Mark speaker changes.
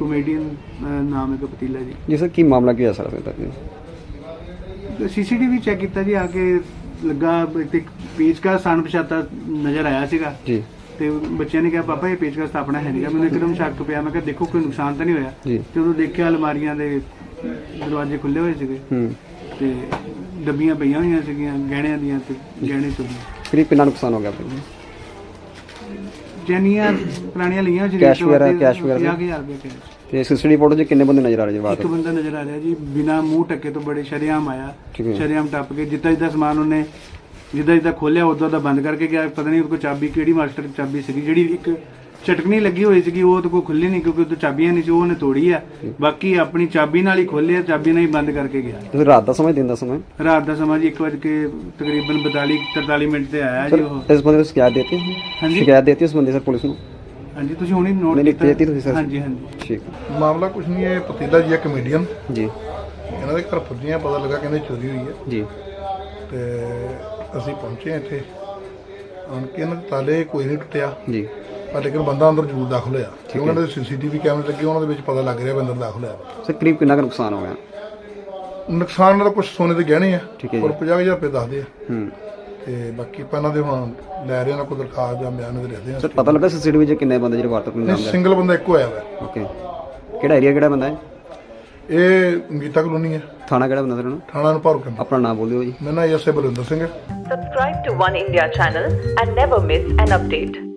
Speaker 1: Comedian नाम है कपतीला जी।
Speaker 2: जी sir की मामला की है सर अभी तक?
Speaker 1: CCTV चेक किया जी, आके लगा एक पेचकस अणपछाता नज़र आया सीगा
Speaker 2: जी
Speaker 1: ਤੇ ਬੱਚਿਆਂ ਨੇ ਕਿਹਾ ਪਾਪਾ ਇਹ ਪੇਚਕਸ ਤਾਂ ਆਪਣਾ ਹੈ ਨਹੀਂਗਾ। ਮੈਨੂੰ ਇੱਕਦਮ ਸ਼ੱਕ ਪਿਆ, ਮੈਂ ਕਿਹਾ ਦੇਖੋ ਕੋਈ ਨੁਕਸਾਨ ਤਾਂ ਨਹੀਂ ਹੋਇਆ।
Speaker 2: ਜੀ
Speaker 1: ਤੇ ਉਦੋਂ ਦੇਖਿਆ ਅਲਮਾਰੀਆਂ ਦੇ ਦਰਵਾਜ਼ੇ ਖੁੱਲੇ ਹੋਏ ਸੀਗੇ ਤੇ ਡੱਬੀਆਂ ਪਈਆਂ ਹੋਈਆਂ ਸੀਗੀਆਂ ਗਹਿਣਿਆਂ ਦੀਆਂ ਤੇ ਗਹਿਣੇ ਚੋਰੀ।
Speaker 2: करीब कितना नुकसान हो गया फिर?
Speaker 1: ਜੈਨੀਆਂ ਪੁਰਾਣੀਆਂ ਲਈਆਂ ਸੀ
Speaker 2: Cash ਵਗੈਰਾ, cash ਵਗੈਰਾ?
Speaker 1: 50,000 ਰੁਪਏ cash।
Speaker 2: ਤੇ ਸੀਸੀਟੀਵੀ ਫੋਟੋ 'ਚ ਕਿੰਨੇ ਬੰਦੇ ਨਜ਼ਰ ਆ ਰਹੇ ਜੀ ਬਾਤ?
Speaker 1: ਇੱਕ ਬੰਦਾ ਨਜ਼ਰ ਆ ਰਿਹਾ ਜੀ, ਬਿਨਾ ਮੂੰਹ ਢੱਕੇ ਤੋਂ ਬੜੇ ਸ਼ਰੇਆਮ ਆਇਆ,
Speaker 2: ਠੀਕ ਹੈ।
Speaker 1: ਸ਼ਰੇਆਮ ਟੱਪ ਕੇ ਜਿੱਦਾਂ ਜਿੱਦਾਂ ਸਮਾਨ ਉਹਨੇ ਜਿੱਦਾਂ ਖੋਲਿਆ ਉਦੋਂ ਦਾ ਬੰਦ ਕਰਕੇ ਗਿਆ। ਪਤਾ ਨਹੀਂ ਉਹਦੇ ਕੋਲ ਚਾਬੀ ਕਿਹੜੀ ਮਾਸਟਰ ਚਾਬੀ ਸੀਗੀ, ਜਿਹੜੀ ਇੱਕ ਚਟਕਣੀ ਲੱਗੀ ਹੋਈ ਸੀਗੀ ਉਹ ਉਹਦੇ ਕੋਲ ਖੁੱਲੀ ਨਹੀਂ ਕਿਉਂਕਿ ਉਹਦੇ ਚਾਬੀਆਂ ਨਹੀਂ ਸੀ, ਉਹਨੇ ਤੋੜੀ ਆ। ਬਾਕੀ ਆਪਣੀ ਚਾਬੀ ਨਾਲ ਹੀ ਖੋਲਿਆ, ਚਾਬੀ ਨਾਲ ਹੀ ਬੰਦ ਕਰਕੇ ਗਿਆ।
Speaker 2: ਤੁਸੀਂ ਰਾਤ ਦਾ ਸਮਾਂ ਦਿਨ ਦਾ ਸਮਾਂ?
Speaker 1: ਰਾਤ ਦਾ ਸਮਾਂ ਜੀ 1 ਵਜੇ ਕੇ ਤਕਰੀਬਨ 43 ਮਿੰਟ ਤੇ ਆਇਆ ਜੀ ਉਹ।
Speaker 2: ਇਸ ਬੰਦੇ ਨੂੰ ਸ਼ਿਕਾਇਤ ਦੇਤੀ?
Speaker 1: ਹਾਂਜੀ
Speaker 2: ਸ਼ਿਕਾਇਤ ਦੇਤੀ ਉਸ ਬੰਦੇ ਸਰ ਪੁਲਿਸ ਨੂੰ?
Speaker 1: ਹਾਂਜੀ ਤੁਸੀਂ ਹੁਣੇ ਨੋਟ
Speaker 2: ਨਹੀਂ
Speaker 1: ਕੀਤਾ?
Speaker 2: ਦੇਤੀ ਤੁਸੀਂ ਸਰ?
Speaker 1: ਹਾਂਜੀ ਹਾਂਜੀ
Speaker 2: ਠੀਕ
Speaker 3: ਮਾਮਲਾ ਕੁਛ ਨਹੀਂ ਹੈ, ਪਤੀਲਾ ਜੀ ਹੈ ਕਮੇਡੀਅਨ,
Speaker 2: ਜੀ
Speaker 3: ਇਹਨਾਂ ਦੇ ਘਰ ਪੁੱਜੀਆਂ, ਪਤਾ ਲੱਗਾ ਕਹਿੰਦੇ ਚੋਰੀ ਹੋਈ ਹੈ
Speaker 2: ਜੀ
Speaker 3: ਤੇ ਅਸੀਂ ਪਹੁੰਚੇ ਇੱਥੇ ਆਣ ਕੇ। ਇਹਨਾਂ ਦੇ ਤਾਲੇ ਕੋਈ ਨਹੀਂ ਟੁੱਟਿਆ
Speaker 2: ਜੀ
Speaker 3: ਪਰ ਲੇਕਿਨ ਬੰਦਾ ਅੰਦਰ ਜ਼ਰੂਰ ਦਾਖਲ ਹੋਇਆ ਕਿਉਂਕਿ ਉਹਨਾਂ ਦੇ CCTV ਕੈਮਰੇ ਲੱਗੇ, ਉਹਨਾਂ ਦੇ ਵਿੱਚ ਪਤਾ ਲੱਗ ਰਿਹਾ ਵੀ ਅੰਦਰ ਦਾਖਲ ਹੋਇਆ।
Speaker 2: ਸਰ ਕਰੀਬ ਕਿੰਨਾ ਕੁ ਨੁਕਸਾਨ ਹੋ ਗਿਆ?
Speaker 3: ਨੁਕਸਾਨ ਨਾਲ ਕੁਝ ਸੋਨੇ ਦੇ ਗਹਿਣੇ ਆ
Speaker 2: ਠੀਕ ਹੈ
Speaker 3: ਔਰ
Speaker 2: ਜੀ।
Speaker 3: 50,000 ਰੁਪਏ ਦੱਸਦੇ ਆ
Speaker 2: ਹੂੰ
Speaker 3: ਤੇ ਬਾਕੀ ਆਪਾਂ ਇਹਨਾਂ ਦੇ ਹੁਣ ਲੈ ਰਹੇ ਉਹਨਾਂ ਕੋਲ ਦਰਖਾਸਤ ਜਾਂ ਬਿਆਨ ਦੇ ਲਿਖਦੇ
Speaker 2: ਸਰ
Speaker 3: ਆ।
Speaker 2: ਪਤਾ ਲੱਗਾ ਸੀਸੀਟੀਵੀ 'ਚ ਕਿੰਨੇ ਬੰਦੇ ਜਿਹੜੇ ਵਾਰਦਾਤ ਨੂੰ ਅੰਜਾਮ ਦੇ?
Speaker 3: ਸਿੰਗਲ ਬੰਦਾ ਇੱਕੋ ਆਇਆ ਵਾ।
Speaker 2: ਓਕੇ ਕਿਹੜਾ ਏਰੀਆ ਕਿਹੜਾ ਬੰਦਾ ਹੈ?
Speaker 3: ਇਹ ਗੀਤਾ ਕਲੋਨੀ ਹੈ,
Speaker 2: ਥਾਣਾ ਕਿਹੜਾ ਬੰਦਾ ਸਰ ਉਹਨੂੰ?
Speaker 3: ਥਾਣਾ ਨੂੰ ਭਰ
Speaker 2: ਆਪਣਾ ਨਾਮ ਬੋਲਿਓ ਜੀ।
Speaker 3: ਮੇਰਾ ਨਾਮ ਐਸਏ ਬਲਵਿੰਦਰ ਸਿੰਘ ਹੈ।
Speaker 4: Subscribe to One India channel and never miss an update.